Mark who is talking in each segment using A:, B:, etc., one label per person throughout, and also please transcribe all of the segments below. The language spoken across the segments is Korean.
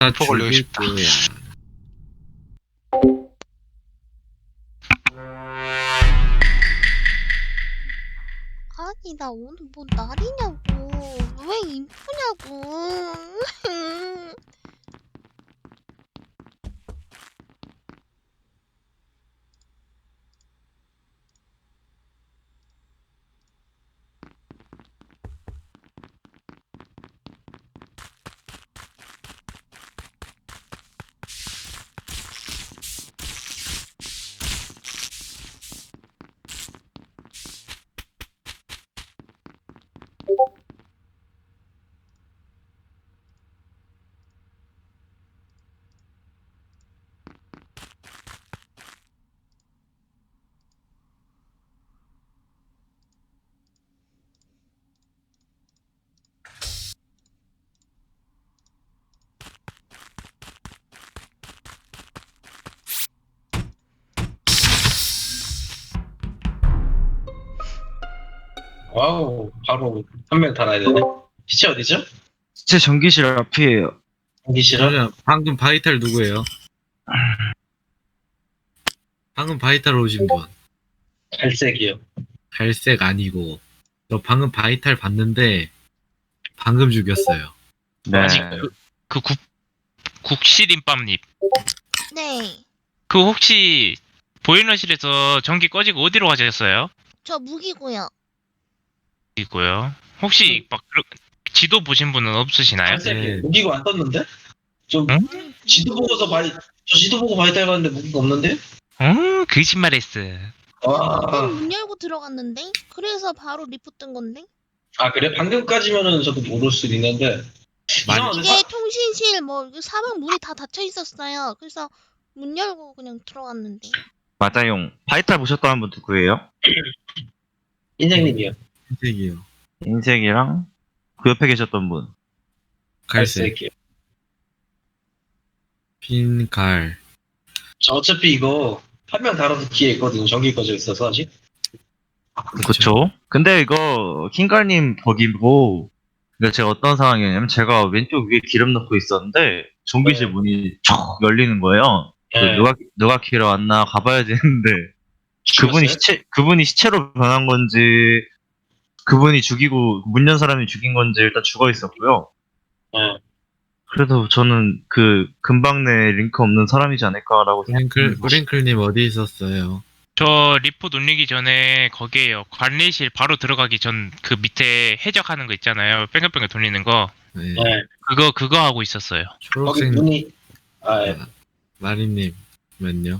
A: 폭 올리고
B: 죽일
A: 싶다.
B: 거야.
C: 아니 나 오늘 뭐 날이냐고. 왜 인포냐고.
D: 와우, 바로 한 명 달아야 되네. 시체 어디죠?
E: 제 전기실 앞이에요.
D: 여기 싫어?
B: 그러면 방금 바이탈 누구예요? 방금 바이탈 오신 분.
D: 갈색이요.
B: 갈색 아니고. 저 방금 바이탈 봤는데 방금 죽였어요.
E: 네.
A: 아직 국시림밥님.
C: 네.
A: 그 혹시 보일러실에서 전기 꺼지고 어디로 가셨어요?
C: 저 무기고요.
A: 이고요. 혹시 막 지도 보신 분은 없으시나요?
D: 갈색이요.
B: 네.
D: 무기가 안 떴는데? 좀
A: 응?
D: 지도 보고서 저 지도 보고 많이 닮았는데 무기가 없는데?
A: 거짓말했어.
D: 와.
C: 문 열고 들어갔는데? 그래서 바로 리포 뜬 건데?
D: 아 그래? 방금까지면은 저도 모를 수 있는데. 이상하네.
C: 이게 통신실 사방 문이 다 닫혀 있었어요. 그래서 문 열고 그냥 들어갔는데.
E: 맞아요. 바이탈 보셨다는 분 누구예요?
D: 인생님이요.
B: 흰색이요.
E: 인색이랑 그 옆에 계셨던 분.
B: 갈색.
D: 갈색이요.
B: 빈갈.
D: 저 어차피 이거 한 명 달아서 뒤에 있거든요. 전기 꺼져 있어서 아직.
E: 그쵸? 근데 이거 킹갈님 거기고, 그러니까 제가 어떤 상황이었냐면 제가 왼쪽 위에 기름 넣고 있었는데 전기실
D: 네.
E: 문이 촉 열리는 거예요.
D: 네.
E: 누가 키러 왔나 가봐야지 했는데
D: 죽였어요?
E: 그분이 시체로 변한 건지 그분이 죽이고 문 연 사람이 죽인 건지 일단 죽어 있었고요.
D: 네.
E: 그래도 저는 그 근방 내 링크 없는 사람이지 않을까라고 생각합니다.
B: 브링클님 어디 있었어요?
A: 저 리포트 올리기 전에 거기에요. 관리실 바로 들어가기 전 그 밑에 해적하는 거 있잖아요. 뺑글뺑글 돌리는 거.
B: 네.
D: 네.
A: 그거 하고 있었어요.
D: 거기
B: 초록색
D: 문이 예.
B: 마리님면요?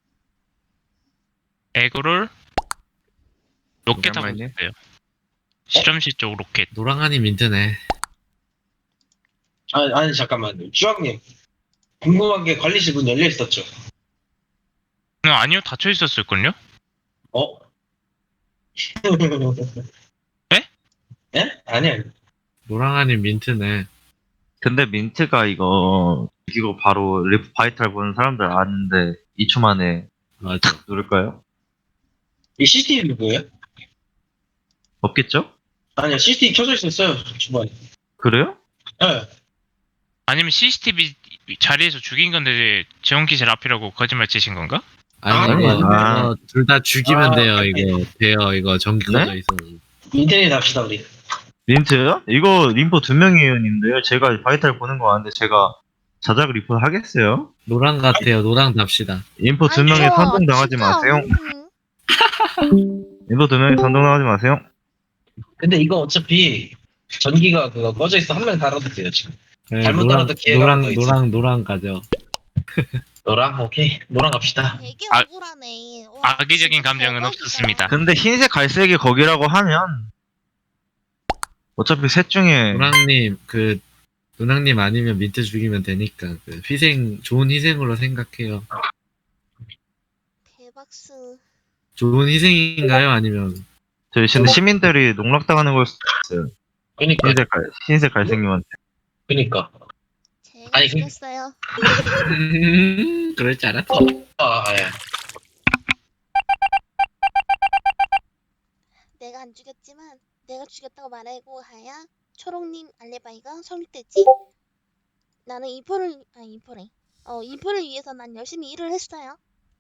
A: 에그롤 로켓 하고
E: 오랜만이네.
A: 있어요. 실험실 쪽 로켓.
B: 노랑하니 민트네.
D: 아니 잠깐만요. 주학님 궁금한 게 관리실 문 열려 있었죠?
A: 아니요, 닫혀 있었을걸요?
D: 어?
A: 에?
D: 예? 아니야.
B: 노랑하니 민트네.
E: 근데 민트가 이거 이거 바로 리프 바이탈 보는 사람들 아는데 2초 만에
B: 맞아.
E: 누를까요?
D: 이 CCTV 뭐예요?
E: 없겠죠?
D: 아니야 CCTV 켜져 있었어요 주방에.
E: 그래요?
D: 예.
A: 아니면 CCTV 자리에서 죽인 건데 지원기실 앞이라고 거짓말 치신 건가?
B: 아니
D: 아니,
B: 이거 둘 다 죽이면
D: 아,
B: 돼요.
D: 아니.
B: 이거 전기
E: 네?
B: 꺼져 있어.
D: 인터넷 합시다 우리.
E: 민트요? 이거 림포 2명이에요, 님들. 제가 바이탈 보는 거 아는데 제가 자작 리포트 하겠어요?
B: 노랑 같아요. 노랑 답시다.
E: 인포
C: 아니,
E: 2명에
C: 저
E: 선동 당하지
C: 진짜,
E: 마세요. 인포 2명에 선동 당하지 마세요.
D: 근데 이거 어차피 전기가 그거 꺼져 있어 한 명 달아도 돼요 지금.
B: 네,
D: 잘못 따라도 기회가 더 있어.
B: 노랑 가죠.
D: 노랑 오케이 노랑 갑시다.
C: 되게
A: 아,
C: 억울하네. 와,
A: 악의적인
C: 진짜
A: 감정은
C: 대박이다.
A: 없었습니다.
E: 근데 흰색 갈색이 거기라고 하면 어차피 셋 중에
B: 노랑님 아니면 민트 죽이면 되니까 좋은 희생으로 생각해요.
C: 대박스.
B: 좋은 희생인가요? 아니면
E: 저희 근데 시민들이 농락당하는 걸 수도 있어요.
D: 그니까
E: 흰색 갈색님한테.
D: 그니까.
C: 제가
D: 아니,
C: 죽였어요.
B: 그럴 줄 알았어.
D: 예.
C: 내가 안 죽였지만 내가 죽였다고 말하고 하야 초록님 알레바이가 성립됐지? 나는 이포를 위해서 난 열심히 일을 했어요.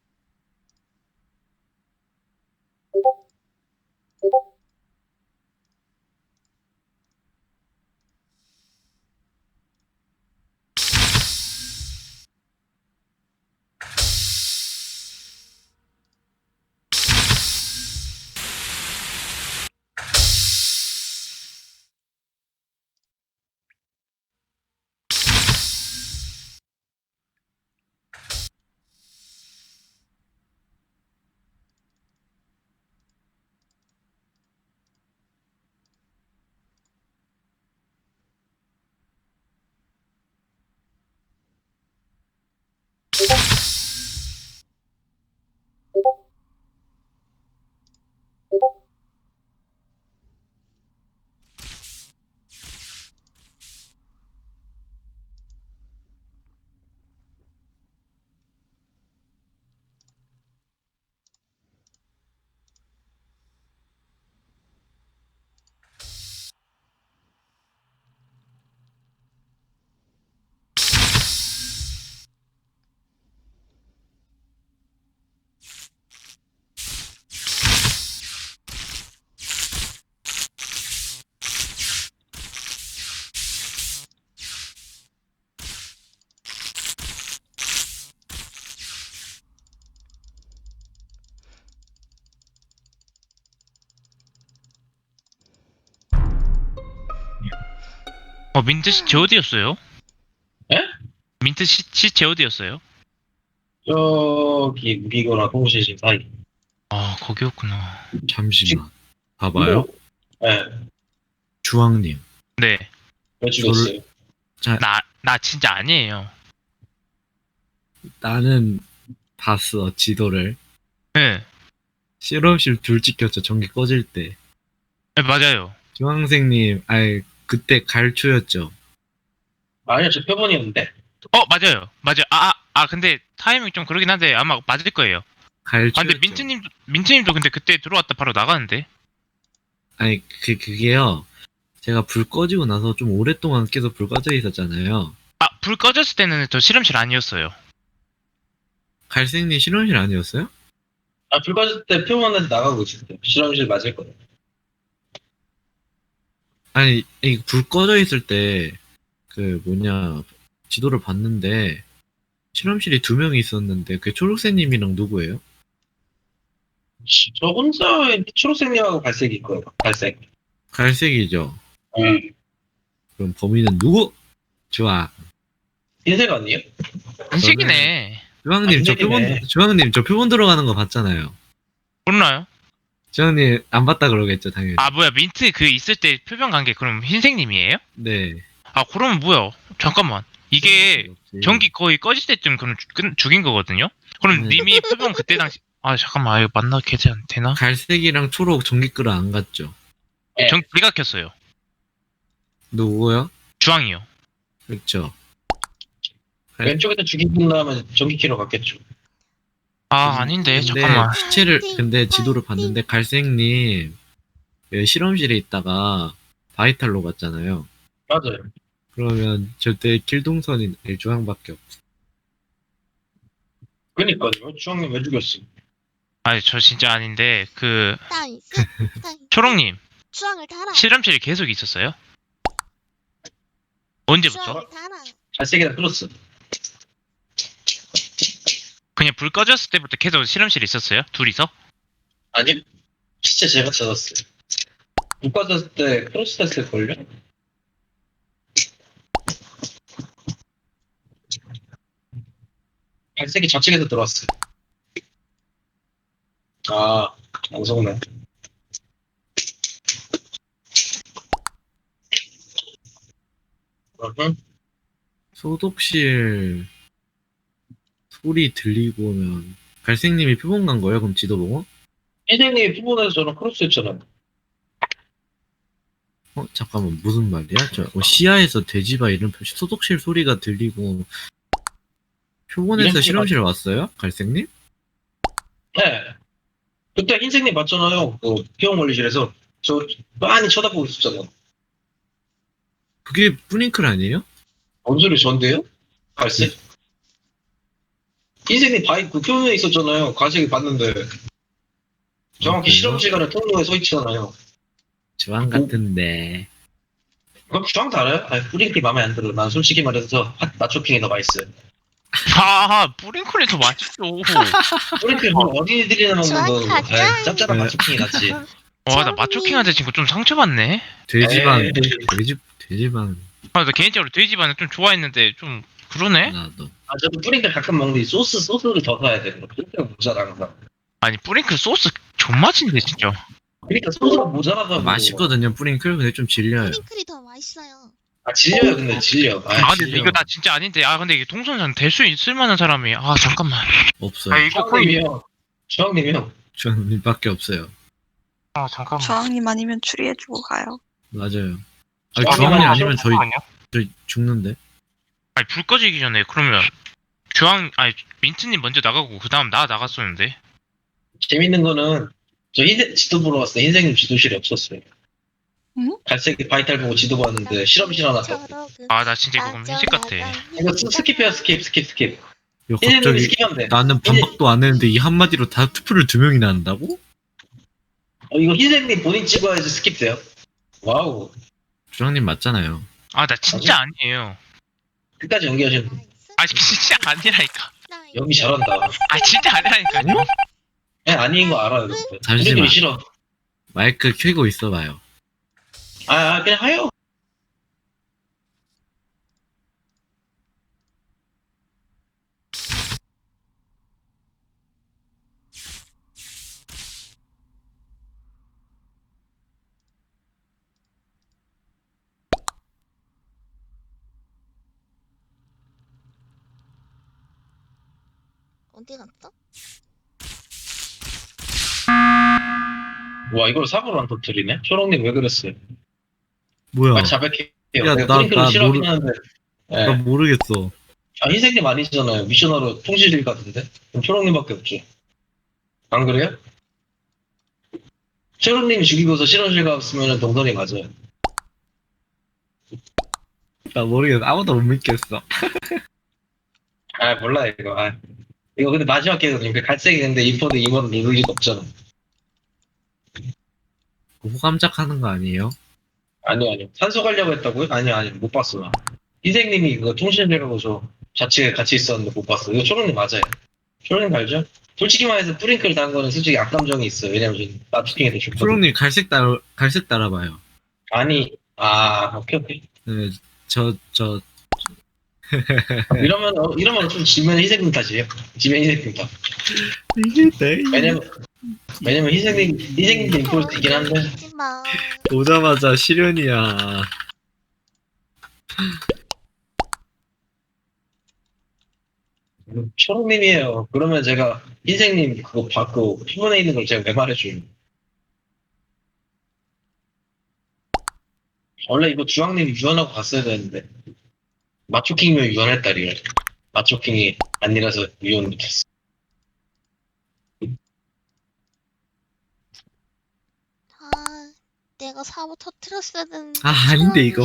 A: 민트 씨 제어디였어요?
D: 예?
A: 민트 씨 제어디였어요?
D: 저기 미거나 통신 사이.
A: 아, 거기였구나.
B: 잠시만. 봐봐요.
D: 예.
B: 주황님.
A: 네.
D: 왜 죽였어요?
A: 나 진짜 아니에요.
B: 나는 봤어, 지도를.
A: 네.
B: 실험실 불 찍혔죠, 전기 꺼질 때.
A: 네, 맞아요.
B: 주황생님, 그때 갈초였죠.
D: 아니요, 저 표본이었는데.
A: 맞아요. 맞아요. 근데 타이밍 좀 그러긴 한데 아마 맞을 거예요.
B: 갈초였죠.
A: 근데 민트님도 근데 그때 들어왔다 바로 나가는데?
B: 아니, 그게요. 제가 불 꺼지고 나서 좀 오랫동안 계속 불 꺼져 있었잖아요.
A: 불 꺼졌을 때는 저 실험실 아니었어요.
B: 갈색님 실험실 아니었어요?
D: 불 꺼질 때 표본한테 나가고 있었어요. 실험실 맞을 거예요.
B: 아니, 불 꺼져 있을 때, 지도를 봤는데, 실험실이 2명이 있었는데, 그 초록색님이랑 누구예요?
D: 저 혼자 초록색님하고 갈색이 있고요. 갈색.
B: 갈색이죠. 그럼 범인은 누구? 좋아.
D: 흰색 아니에요?
A: 인식이네.
B: 주황님,
D: 흰색이네.
B: 주황님, 저 표본 들어가는 거 봤잖아요.
A: 몰라요?
B: 주황님, 안 봤다 그러겠죠, 당연히.
A: 뭐야, 민트 그 있을 때 표정 관계 그럼 흰색님이에요?
B: 네.
A: 그러면 뭐야? 잠깐만. 이게
B: 없지.
A: 전기 거의 꺼질 때쯤 그럼 죽인 거거든요? 그럼
B: 네.
A: 님이 표정 그때 당시 잠깐만, 이거 만나 되나?
B: 갈색이랑 초록 전기 끌어 안 갔죠.
D: 네.
A: 제가 켰어요.
B: 누구요?
A: 주황이요.
B: 그렇죠.
D: 왼쪽에서 죽이고 나면 전기키로 갔겠죠.
A: 아닌데,
B: 근데
A: 잠깐만.
B: 근데 지도를 봤는데 갈색님 실험실에 있다가 바이탈로 갔잖아요.
D: 맞아요.
B: 그러면 절대 길동선인 주황밖에 없어.
D: 그러니까요. 주황님 왜 죽였어?
A: 저 진짜 아닌데,
C: 나이스. 나이스.
A: 초롱님,
C: 주황을 달아.
A: 실험실에 계속 있었어요? 언제부터?
C: 주황을 달아.
D: 갈색이랑 플러스.
A: 그냥 불 꺼졌을 때부터 계속 실험실에 있었어요? 둘이서?
D: 아니, 진짜 제가 찾았어요. 못 빠졌을 때 크로스 됐을걸요? 갈색이 좌측에서 들어왔어요. 안 속네.
B: 소독실 소리 들리고 오면 갈색님이 표본 간 거예요? 그럼 지도 보고?
D: 흰색님이 피부에서 저랑 크로스 했잖아요.
B: 잠깐만 무슨 말이야? 시야에서 돼지바 이런 소독실 소리가 들리고 표본에서
D: 이런
B: 실험실 왔어요? 갈색님?
D: 네. 그때 흰색님 봤잖아요. 그 피용 원리실에서. 저 많이 쳐다보고 있었잖아요.
B: 그게 뿌링클 아니에요?
D: 뭔 소리 전데요? 갈색? 흰색이 바이 그 표면에 있었잖아요. 갈색이 봤는데. 정확히
B: 그래요?
D: 실험 시간에 통로에 서 있잖아요.
B: 주황 같은데.
D: 그럼 주황 달아요? 아니, 뿌링클이 마음에 안 들어. 난 솔직히 말해서 맛초킹이 더 맛있어요.
A: 아, 뿌링클이 더 맛있어.
D: 뿌링클 뭐 어린이들이나 먹는
C: 주황
D: 거.
C: 가짜.
D: 아이, 짭짤한
B: 네.
D: 맛초킹이 낫지.
A: 와, 나 마초킹한테 지금 좀 상처받네.
B: 돼지반,
D: 에이.
B: 돼지반
A: 아, 나 개인적으로 돼지반을 좀 좋아했는데 좀 그러네.
B: 나도.
D: 아, 저도 뿌링클 가끔 먹는데 소스를 더 사야 돼. 뿌링클 모자라 항상.
A: 아니 뿌링클 소스 존맛인데 진짜.
D: 그러니까 소스가 모자라서.
B: 맛있거든요, 뿌링클. 근데 좀 질려요.
C: 프링클이 더 맛있어요.
D: 아, 질려요, 근데 질려.
A: 아, 근데
B: 질려.
A: 이거 나 진짜 아닌데. 아, 근데 이게 동선상 될 수 있을 만한 사람이. 아, 잠깐만.
B: 없어요.
A: 아, 이거 거의.
D: 주황님이요. 주황님이요.
B: 주황님밖에 없어요.
A: 아, 잠깐만.
F: 저항님 아니면 추리해주고 가요.
B: 맞아요.
D: 주황님
B: 주황님
D: 아니면
B: 아니면 저희 죽는데.
A: 아니 불 꺼지기 전에 그러면 아니 민트님 먼저 나가고 그 다음 나 나갔었는데.
D: 재밌는 거는 저 흰색 지도 보러 갔을 때 흰색님 지도실이 없었어요.
F: 응?
D: 갈색 바이탈 보고 지도 봤는데 실험실 하나 떴고.
A: 아, 나 진짜 이거 그럼 회식 같아.
D: 이거 스킵해요, 스킵.
B: 이거
D: 흰색님이
B: 갑자기
D: 스킵하면 돼.
B: 나는 반박도 안 했는데 이 한마디로 다 투표를 2명이나 한다고?
D: 이거 흰색님 본인 찍어야지 스킵돼요. 와우.
B: 주황님 맞잖아요.
A: 아, 나 진짜 아니에요.
D: 끝까지 연기하시는
A: 아, 진짜 아니라니까.
D: 연기 잘한다.
A: 아, 진짜 아니라니까요.
D: 아닌 거 알아요. 근데.
B: 잠시만.
D: 흰색님이 싫어.
B: 마이크 켜고 있어봐요.
D: 그냥 하요.
C: 어디 갔어?
D: 와, 이걸 사고로 안 터뜨리네? 초롱님 왜 그랬어요?
B: 뭐야?
D: 자백해요.
B: 야,
D: 내가 뿌링클을
B: 나
D: 싫어하긴
B: 모르-
D: 하는데. 예.
B: 나 모르겠어.
D: 흰색님 아니잖아요. 미션으로 통실일 같은데? 그럼 초롱님밖에 없죠. 안 그래요? 초롱님 죽이고서 실험실 갔으면 동선이 맞아요.
B: 나 모르겠어. 아무도 못 믿겠어.
D: 몰라, 이거. 이거 근데 마지막 게임은 그 갈색이는데 인포드 임원을 누를 리가 없잖아.
B: 호감작하는 거 아니에요?
D: 아니요. 산소 가려고 했다고요? 아니요. 못 봤어, 나. 흰색님이 그거 통신실 가고서 자취에 같이 있었는데 못 봤어. 이거 초롱님 맞아요. 초롱님 알죠? 솔직히 말해서 뿌링클 단 거는 솔직히 악감정이 있어요. 왜냐면 지금 나트킹이 더 좋거든.
B: 초롱님 갈색 따라봐요.
D: 아니, 오케이.
B: 네,
D: 이러면 좀 지면 희생님 탓이에요. 지면 희생님 탓.
B: 이게 내
D: 왜냐면 희생님도 인포일 수 있긴 한데.
C: 하지마.
B: 오자마자 실현이야.
D: 초롱님이에요. 그러면 제가 희생님 그거 받고 피곤해 있는 걸 제가 왜 말해줘요? 원래 이거 주황님이 유언하고 갔어야 되는데 마초킹이면 유언할 딸이에요. 마초킹이 아니라서 유언 못했어.
C: 내가 사고 터트렸어야 되는데.
B: 아닌데, 이거.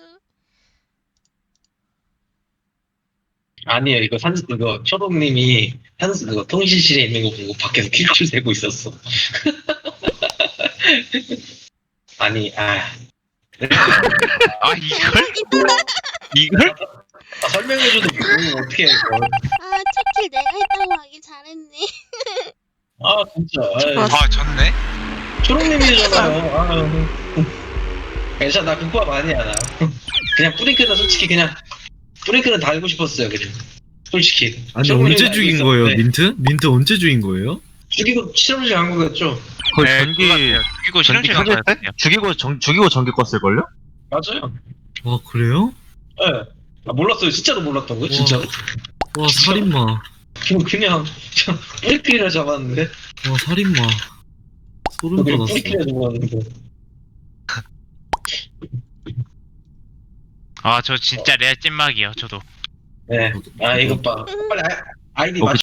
D: 아니에요. 이거 초롱님이 그거 통신실에 있는 거 보고 밖에서 킬줄 세고 있었어. 아니,
A: 이걸?
D: 설명해줘도 모르면 어떻게 해, 이거.
C: 첫킬 내가 했다고 하길 잘했네.
D: 진짜.
A: 아, 졌네.
D: 초롱님이잖아요. 괜찮아, 나 극부합 아니야, 나. 그냥 뿌링클은 솔직히 뿌링클은 달고 싶었어요, 그냥. 솔직히.
B: 아니,
D: 초롱님이
B: 언제
D: 알고
B: 죽인 거예요,
D: 있었는데
B: 민트? 민트 언제 죽인 거예요?
D: 죽이고 실험실 간 거겠죠?
E: 거의
A: 네,
E: 전기
A: 죽이고
E: 전기
A: 실험실
E: 켜질 때?
A: 가야
E: 죽이고 전기 껐을걸요?
D: 맞아요.
B: 아, 그래요?
D: 예. 몰랐어요. 진짜로 몰랐던 거예요, 진짜로.
B: 와, 살인마.
D: 그냥 뿌리끼리를 잡았는데.
B: 와, 살인마. 소름 돋았어.
D: 뿌리끼리를 잡았는데.
A: 아, 저 진짜 레알 찐막이요, 저도.
D: 네. 이거 봐. 빨리 아이디
E: 어,
D: 맞춰.